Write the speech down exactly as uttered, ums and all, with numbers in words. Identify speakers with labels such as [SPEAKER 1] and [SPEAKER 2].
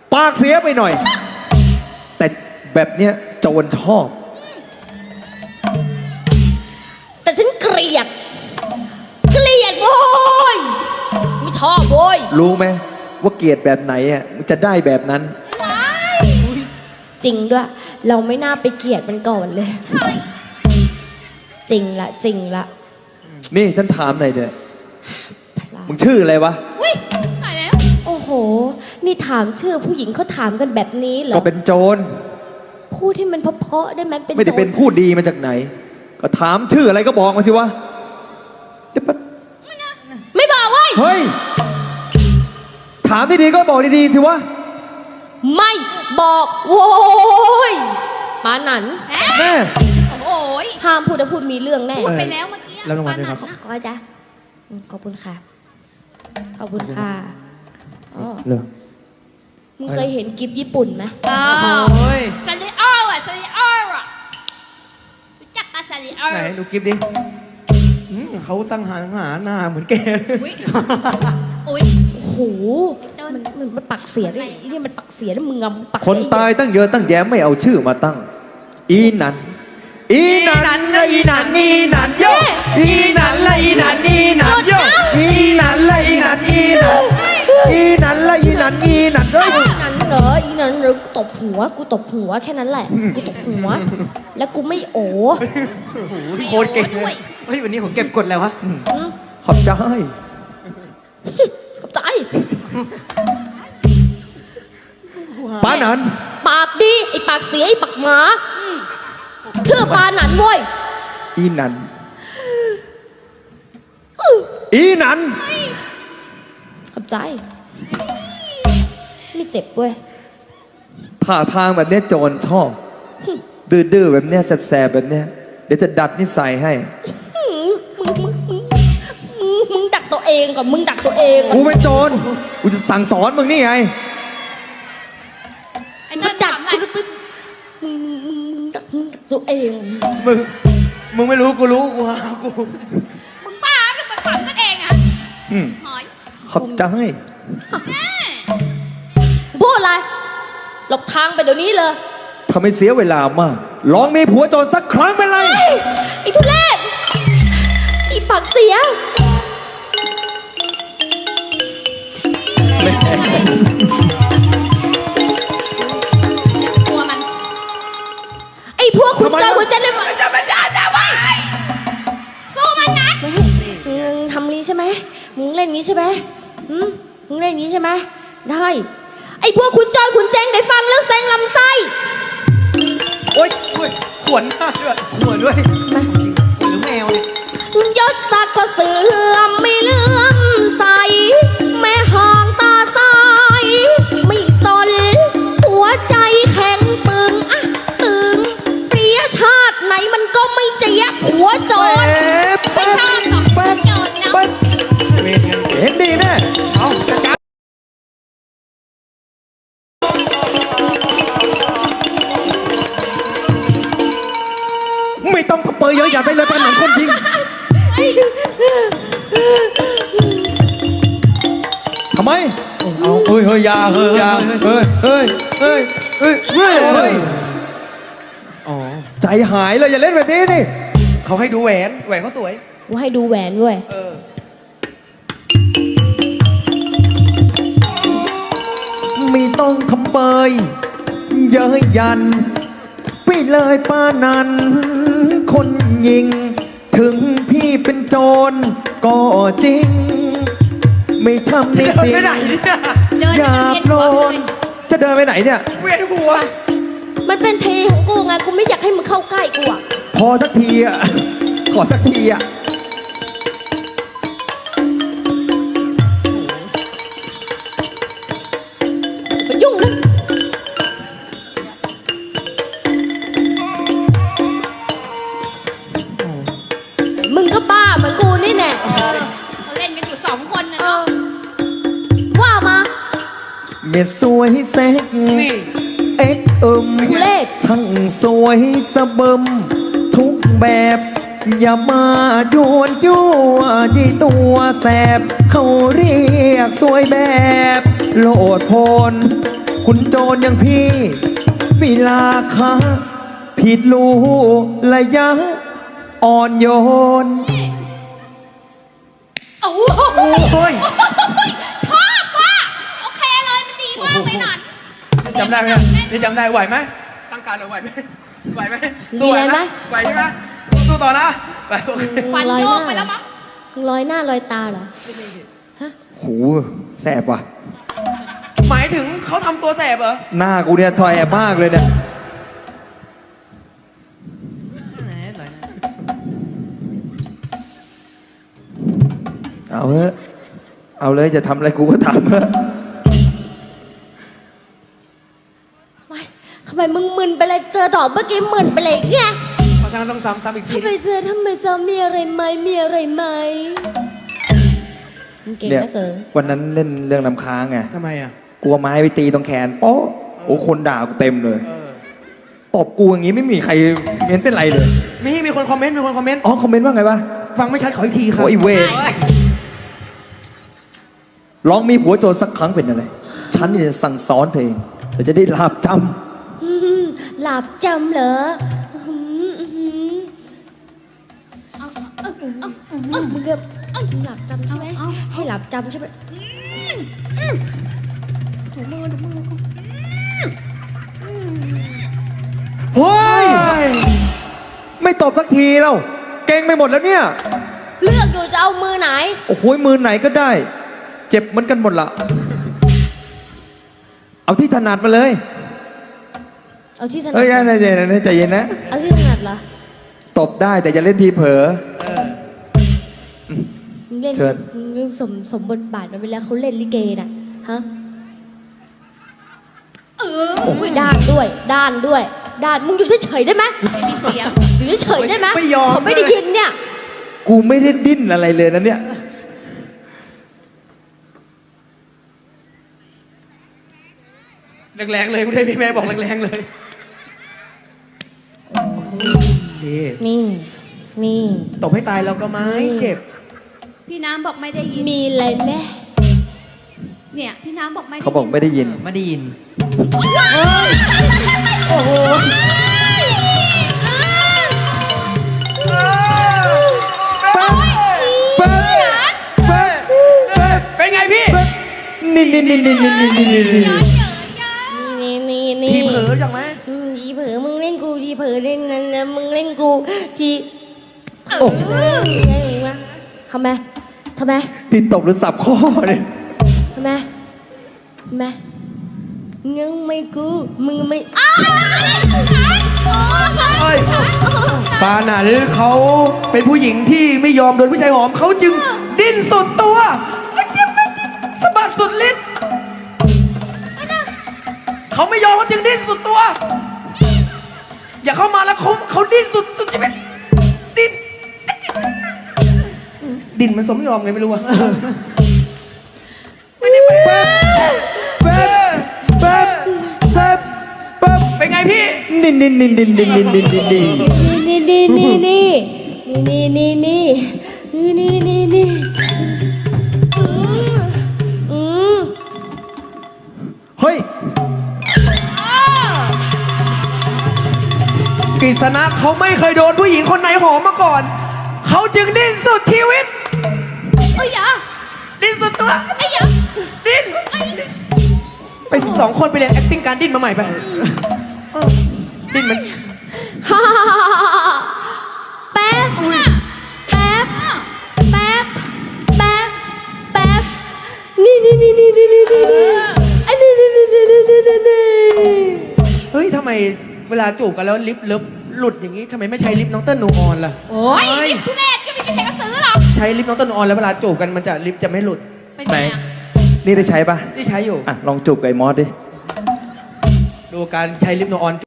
[SPEAKER 1] ปากเสียไปหน่อยแต่แบบเนี้ยโจรชอบ
[SPEAKER 2] แต่ฉันเกลียดเกลียดโว้ยไม่ชอบโว้ย
[SPEAKER 1] รู้ไหมว่าเกลียดแบบไหนอ่ะมันจะได้แบบนั้น
[SPEAKER 2] จริงด้วยเราไม่น่าไปเกลียดมันก่อนเลยใช่จริงละจริงละ
[SPEAKER 1] นี่ฉันถามหน่อยเถอะมึงชื่ออะไรวะ
[SPEAKER 2] อุ้ยตายแล้วโอ้โหนี่ถามชื่อผู้หญิงเขาถามกันแบบนี้เหรอ
[SPEAKER 1] ก็เป็นโจร
[SPEAKER 2] พูดให้มันเพราะๆได้ไหมเป็น
[SPEAKER 1] ไม่ได้เป็นพูดดีมาจากไหนก็ถามชื่ออะไรก็บอกมาสิวะ
[SPEAKER 2] ไม่บอกเว้ย
[SPEAKER 1] เฮ้ยถามดีๆก็บอกดีๆสิวะ
[SPEAKER 2] ไม่บอกโว้ยปาหนัน
[SPEAKER 1] แม่
[SPEAKER 2] โอ้ยห้ามพูดแล้วพูดมีเรื่องแน่
[SPEAKER 3] พูดไปแล้วเมื่อกี้
[SPEAKER 1] แล้วรางวัลด้วยครับ
[SPEAKER 2] ขอจ้ะขอบคุณค่ะขอบคุณค่ะอ๋อมึงเคยเห็นกิฟญี่ปุ่นไหม
[SPEAKER 3] อ๋อซาริโออ่ะซาริโออ่ะรู้จักปะซาริโอ
[SPEAKER 1] ไหนดูกิฟดิเขาตั้งหาหาหน้าเหมือนแก
[SPEAKER 3] อุ้ยอุ้ย
[SPEAKER 2] โอ้โหมันมันปักเสียด้วยนี่มันปักเสียแล้วมึงงำปัก
[SPEAKER 1] คนตายตั้งเยอะตั้งแยะไม่เอาชื่อมาตั้งอีนันอีนันละอีนันอีนันโยอีนันละอีนันอีนันโยอีนันละอีนันอีนันอีนันละอีนันอีนันเฮ้ย
[SPEAKER 2] อีนันเหรออีนันเหรอกูตบหัวกูตบหัวแค่นั้นแหละกูตบหัวแล้วกูไม่โอ้
[SPEAKER 3] โคตรเก่งด้วย
[SPEAKER 4] เฮ้ยวันนี้ผมเก็บกดแล้ววะ
[SPEAKER 1] ขอบใจ
[SPEAKER 2] ขอบใจ
[SPEAKER 1] ปาหนัน
[SPEAKER 2] ปากดีไอ้ปากเสียไอ้ปากหมาชื่อปาหนันเว้ย
[SPEAKER 1] อีนันอีนัน
[SPEAKER 2] ขอบใจไม่เจ็บเว้ย
[SPEAKER 1] ท่าทางแบบนี้โจรชอบดื้อๆแบบนี้แสบๆแบบนี้เดี๋ยวจะดัดนิสัยให้
[SPEAKER 2] มึงมึงมึงมึงดักตัวเองก่อนมึงดักตัวเอง
[SPEAKER 1] กูเป็นโจรกูจะสั่งสอนมึงนี่ไง
[SPEAKER 3] ไอ้เติ้ลดักอะไร
[SPEAKER 2] มึงมึงมึงดักมึงดักตัวเอง
[SPEAKER 1] มึงมึงไม่รู้กูรู้กูฮะกู
[SPEAKER 3] มึงบ้ามึงมาขำกันเองอ่ะหอย
[SPEAKER 1] ขอบใจ
[SPEAKER 2] พูดอะไรหลบทางไปเดี๋ยวนี้เลย
[SPEAKER 1] ทำให้เสียเวลามากลองมีผัวโจรสักครั้งเป็นไร
[SPEAKER 2] ไอ้ทุเรศไอ้ปากเสียไอ้พวกคุณเจ้าคุณเจ้าเลยมั้ย
[SPEAKER 3] จะมาจ้าจ้าไว้สู้มันนะ
[SPEAKER 2] มึงทำนี้ใช่ไหมมึงเล่นนี้ใช่ไหมอืมมึงเล่นนี้ใช่ไหมได้ไอ้พวกคุณจอยคุณแจงได้ฟังแล้วเซ็งลำไส้
[SPEAKER 4] โอ๊ยขวนหน้าด้วยขวนด้วยมาขวนหรือแมวเนี่ย
[SPEAKER 2] ยศศักดิ์ก็เสื่อมไม่เลื่อมใสแม่ห่างตาใสไม่สนหัวใจแข็งปึงอะตึงเปียชาติไหนมันก็ไม่เจี๊ยบหัวโจร
[SPEAKER 3] ไม่ชอบหรอกโจรนะ
[SPEAKER 1] เห็นดีแน่เอาไม่ต้องเปิดเยอะอย่าไปเลยปานหนังคนจริงทำไมเอาเฮ้ยเฮ้ยยาเฮ้ยยาเฮ้ยเฮ้ยเฮ้ยเฮ้ยเฮ้ยเฮ้ยอ๋อใจหายเลยอย่าเล่นแบบนี้นี่เขาให้ดูแหวนแหวนเขาสวย
[SPEAKER 2] ว่าให้ดูแหวนด้วย
[SPEAKER 1] ไม่ต้องทำเปยเย้ยยันไปเลยป้านันคนยิงถึงพี่เป็นโจรก็จริงไม่ทำในสิ่งอย่าโปรดจะเดินไปไหนเนี่ย
[SPEAKER 4] เวียนหัว
[SPEAKER 2] มันเป็นทีของกูไงกูไม่อยากให้มึงเข้าใกล้กูอ่ะ
[SPEAKER 1] พอสักทีอ่ะขอสักทีอ่ะ
[SPEAKER 2] มายุ่งเลยมึงก็บ้าเหมือนกูนี่แน่
[SPEAKER 3] เขาเล่นกันอยู่สองคนนะเนาะ
[SPEAKER 2] ว่ามา
[SPEAKER 1] เม็ดสวยแซกเอ็กเอิมทั้งสวยสะเบิมทุกแบบอย่ามาโยนยั่วยี่ตัวแสบเขาเรียกสวยแบบโลดโพนคุณโจรอย่างพี่มีราคาผิดรู้ระยะอ่อนโยน
[SPEAKER 3] โอ้โห
[SPEAKER 4] โอ้ย
[SPEAKER 3] ชอบว่ะโอเคเลยมันดีมากเลยนัน
[SPEAKER 4] จำได้ไหมนี่จำได้ไหวไหมตั้งการไหวไหมไหวไหมสู้ไหวไหมไหวใช่ไหมสู้ต่อนะไปโอเค
[SPEAKER 3] ฟันโยกไปแล้วมั้ง
[SPEAKER 2] มึงลอยหน้าลอยตาเหรอ
[SPEAKER 1] โหแสบว่ะ
[SPEAKER 4] หมายถึงเขาทำตัวแสบเหรอ
[SPEAKER 1] หน้ากูเนี่ยถอยแอบมากเลยเนี่ย เอาเถอะเอาเลยจะทำอะไรกูก็ทำเถอะ
[SPEAKER 2] ไม่ทำไมมึงมึนไปเลยเจอดอกเมื่อกี้มึนไปเลยไง
[SPEAKER 4] เพราะฉะนั้นต้องซ้ำซ้ำอีกที
[SPEAKER 2] ทำไมเจอทำไมเจอมีอะไรไหมมีอะไรไหมมึงเก่ง
[SPEAKER 1] เนี่ย
[SPEAKER 2] นะเกิน
[SPEAKER 1] วันนั้นเล่นเรื่องน้ำค้างไง
[SPEAKER 4] ทำไมอ่ะ
[SPEAKER 1] กลัวไม้ไปตีตรงแขนโป๊ะโอ้คนด่ากูเต็มเลย
[SPEAKER 4] เออ
[SPEAKER 1] ตบกูอย่างงี้ไม่มีใครเม้นเป็นไรเลย
[SPEAKER 4] มีมีคนคอมเมนต์มีคนคอมเมนต์
[SPEAKER 1] อ๋อคอมเมนต์ว่าไงวะ
[SPEAKER 4] ฟังไม่ชัดขออีกทีครับ
[SPEAKER 1] โอ้ยเวรลองมีผัวโจรสักครั้งเป็นอะไร ฉันจะสั่งสอนเธอเองเธอจะได้ลาบจ
[SPEAKER 2] อืมหลับจำเหรออื้อหืออื้อหือเอาเอาเอาเอามึงแบบเอาหลับจำใช่ไหมให้หลับจำใช่ไหม
[SPEAKER 3] ถูมือถูมือ
[SPEAKER 1] ำเฮ้ย ไม่ตบสักทีแล้วเก่งไปหมดแล้วเนี่ย
[SPEAKER 2] เลือกอยู่จะเอามือไหน
[SPEAKER 1] โอ้โหมือไหนก็ได้ เจ็บเหมือนกันหมดละเอาที่ถนัดมาเลย
[SPEAKER 2] เอาที่ถนัด
[SPEAKER 1] เฮ้ยใจเย็นนะใจเย็นนะ
[SPEAKER 2] เอาที่ถนัดเหรอ
[SPEAKER 1] ตบได้แต่อย่าเล่นทีเผลอ
[SPEAKER 4] เออ
[SPEAKER 2] มึงเล่น
[SPEAKER 1] เชิญ
[SPEAKER 2] มึงสมสมบทบาทมาเวลาเขาเล่นลิเกน่ะฮะ
[SPEAKER 3] เออ
[SPEAKER 2] โอ้ยด้านด้วย ด้านด้วย ด้าน มึงอยู่เฉยๆได้ไหม
[SPEAKER 3] ไม่มีเสียง
[SPEAKER 2] อยู่เฉยๆได้ไหม
[SPEAKER 4] ไม่ยอม
[SPEAKER 2] เขาไม่ได้ยินเนี่ย
[SPEAKER 1] กูไม่ได้ดิ้นอะไรเลยนะเนี่ย
[SPEAKER 4] แรงๆเลยคุณได้พี่แม่บอกแรงๆเลยนี่
[SPEAKER 2] นี่ นี่
[SPEAKER 4] ตบให้ตายเราก็ไม่เจ็บ
[SPEAKER 3] พี่น้ำบอกไม่ได้ยิน
[SPEAKER 2] มีอะไรไหม
[SPEAKER 3] เนี่ยพี่น้ำบอกไม่ได้ยิน
[SPEAKER 1] เขาบอกไม่ได้ยิน
[SPEAKER 4] ไม่ได้ยิน
[SPEAKER 1] โอ้โห เป๊ะเป๊ะเป๊ะ
[SPEAKER 4] เป็นไงพี่
[SPEAKER 1] นี่นี่นี่นี่นี่นี่นี่นี่
[SPEAKER 2] นี่นี่นี่
[SPEAKER 4] ทีเผลอจังไหม
[SPEAKER 2] อืมทีเผลอมึงเล่นกูทีเผลอเล่นนั่นนะมึงเล่นกูที
[SPEAKER 1] โอ้
[SPEAKER 2] เออไงวะทำไมทำไม
[SPEAKER 1] ที่ตบหรือสับข้อเนี่ย
[SPEAKER 2] ทำไมทำไมงังไม่กูมึงไม่อ้าว
[SPEAKER 4] เอ้ยปานันเขาเป็นผู้หญิงที่ไม่ยอมโดนผู้ชายหอมเขาจึงดิ้นสุดตัวสะบัดสุดฤทธิ์เขาไม่ยอมเขาจึงดิ้นสุดตัว อย่าเข้ามาแล้วเขาเขาดิ้นสุดสุดชีวิตดิ้นดิ้นมันสมยอมไงไม่รู้อะไม่ได้ไป
[SPEAKER 1] เป๊ะเป๊ะเป๊ะเป๊ะเป๊ะ
[SPEAKER 4] เป็นไงพี่
[SPEAKER 1] นี่นี่นี่นี่นี่นี่นี่นี่นี่
[SPEAKER 2] นี่นี่นี่นี่นี่นี่นี่นี่นี่นี่นี่อืมอืม
[SPEAKER 1] เฮ้ย
[SPEAKER 4] กฤษณะเขาไม่เคยโดนผู้หญิงคนไหนหอมมาก่อน เขาจึงดิ้นสุดชีวิต
[SPEAKER 3] เอ้ยอย่า
[SPEAKER 4] ดิ้นสุดตัว
[SPEAKER 3] ไอ้อย่า
[SPEAKER 4] ดิ้น
[SPEAKER 3] ไอ้
[SPEAKER 4] ไปสองคนไปเรียน acting การดิ้นมาใหม่ไปเออดิ้นมัน
[SPEAKER 2] ฮ่าฮ่าฮ่าฮ่าแป๊บแป๊บแป๊บแป๊บแป๊บนี่นี่นี่นี่นี่นี่นี่นี่อันนี้นี่นี่นี่นี่นี่นี่
[SPEAKER 4] เฮ้ยทำไมเวลาจูบกันแล้วลิปเลิฟหลุดอย่างนี้ทำไมไม่ใช้ลิปน้องเติ้ลนูออนล่ะ
[SPEAKER 3] โอ้ยลิปทุเรศก็ไม่มีใครเขาซื้อหรอก
[SPEAKER 4] ใช้ลิปน้องเติ้ลนูออนแล้วเวลาจูบกันมันจะลิปจะไม่หลุด
[SPEAKER 3] เป็น
[SPEAKER 1] ไหน
[SPEAKER 3] ไงอะ
[SPEAKER 1] นี่ได้ใช้ปะ
[SPEAKER 4] ที่ใช้อยู่
[SPEAKER 1] อ่ะ ลองจูบกับไอ้มอสดิ
[SPEAKER 4] ดูการใช้ลิปนูออน